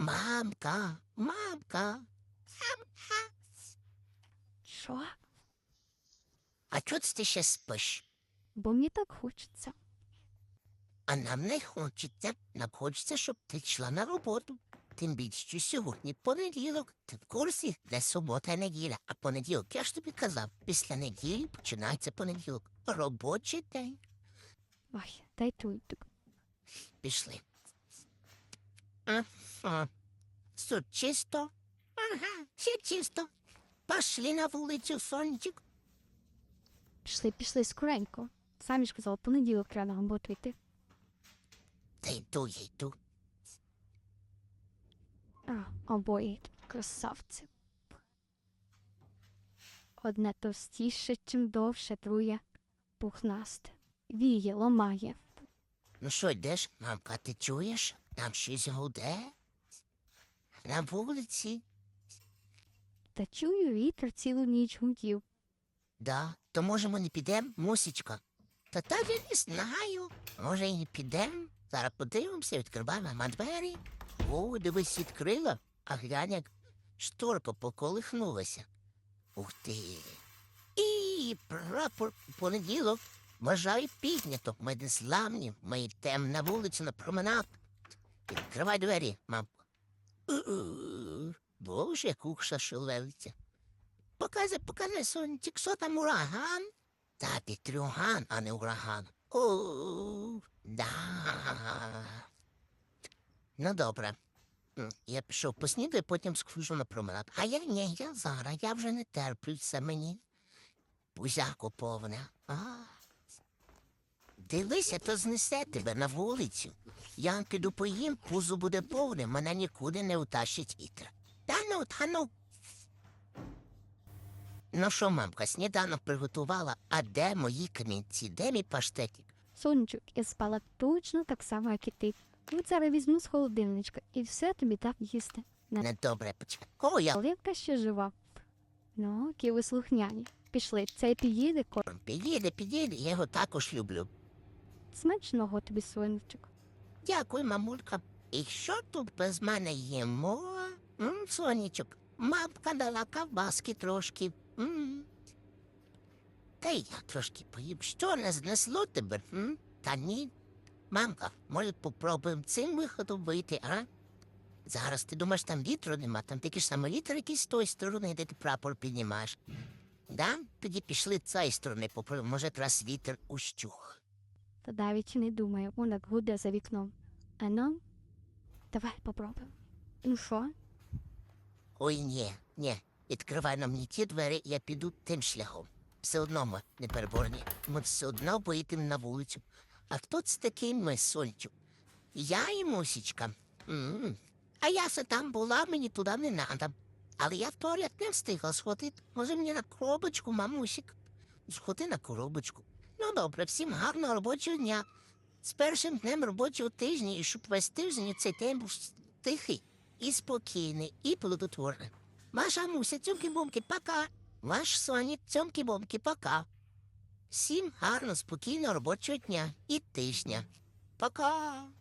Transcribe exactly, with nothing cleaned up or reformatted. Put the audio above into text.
Мамка, мамка. Що? А чого ти ще спиш? Бо мені так хочеться. А нам не хочеться. Нам хочеться, щоб ти йшла на роботу. Тим більше, що сьогодні понеділок. Ти в курсі, де субота і неділя. А понеділок, я ж тобі казав, після неділі починається понеділок. Робочий день. Ой, дай туйтик. Пішли. Ага. Тут чисто. Ага, все чисто. Пошли на вулицю, сонечок. Пішли, пішли скоренько. Самі ж казали, понеділок треба на роботу йти. Та йду, я йду. А, обоє красавці. Одне товстіше, чим довше, друге пухнасте. Віє, ломає. Ну що, йдеш, мамка, ти чуєш? Там щось гуде. На вулиці. Та чую, вітер цілу ніч гудів. Да, то може ми не підемо, мусічка? Та так я не знаю. Може і не підемо? Зараз подивимося, відкриваємо мама двері. О, дивись, відкрила, а глянь, як шторка поколихнулася. Ух ти. І прапор понеділок. Бажаю піднято. Ми не славні, ми йдемо на вулицю на променад. Відкривай двері, мамко. У-у. Боже, як кукша шелелиться. Показуй, показуй, сонечек, що там ураган? Та вітрюган, а не ураган. О, да. Ну, добре. М, Я пішов поснідаю, потім схожу на променад. А я ні, я зараз, я вже не терплю, це мені. Пузяко повне. А. Дивися, то знесе тебе на вулицю. Я піду поїм, пузо буде повне, мене нікуди не утащить вітер. Та ну, та ну. Ну що, мамка, сніданок приготувала, а де мої камінці, де мій паштетик? Сонечок, я спала точно так само, як і ти. От зараз візьму з холодильничка і все тобі так їсти. Не Недобре почекай. О, я Оливка ще жива. Ну, які ви слухняні. Пішли, цей під'їде ко... підійде, підійде, я його також люблю. Смачного тобі, сонечок. Дякую, мамулька. І що тут без мене їмо? М, сонечок, мамка дала ковбаски трошки. М. Та й я трошки поїм. Що, не знесло тебе? М? Та ні. Мамка, може попробуємо цим виходом вийти, а? Зараз ти думаєш, там вітру нема, там тільки ж саме вітер якийсь з тої сторони, де ти прапор піднімаєш. Да? Тоді пішли з цієї сторони, попробуємо, може, раз вітер ущух. Та навіть і не думаю, вона гуде за вікном. А ну, давай попробуємо. Ну що? Ой, ні, ні, відкривай нам не ті двері, я піду тим шляхом. Все одно ми не переборні. Ми все одно поїдемо на вулицю. А хто це такий ми, Сончик? Я і Мусічка. М. А я се там була, мені туди не надо. Але я в туалет не встигла сходити. Може мені на коробочку, мамусік? Сходи на коробочку. Ну добре, всім гарного робочого дня. З першим днем робочого тижня, і щоб весь тиждень цей день був тихий і спокійний, і плодотворний. Ваша Муся, цьомки-бомки, пока. Ваш Сонік, цьомки-бомки, пока. Всім гарно, спокійного робочого дня і тижня. Пока.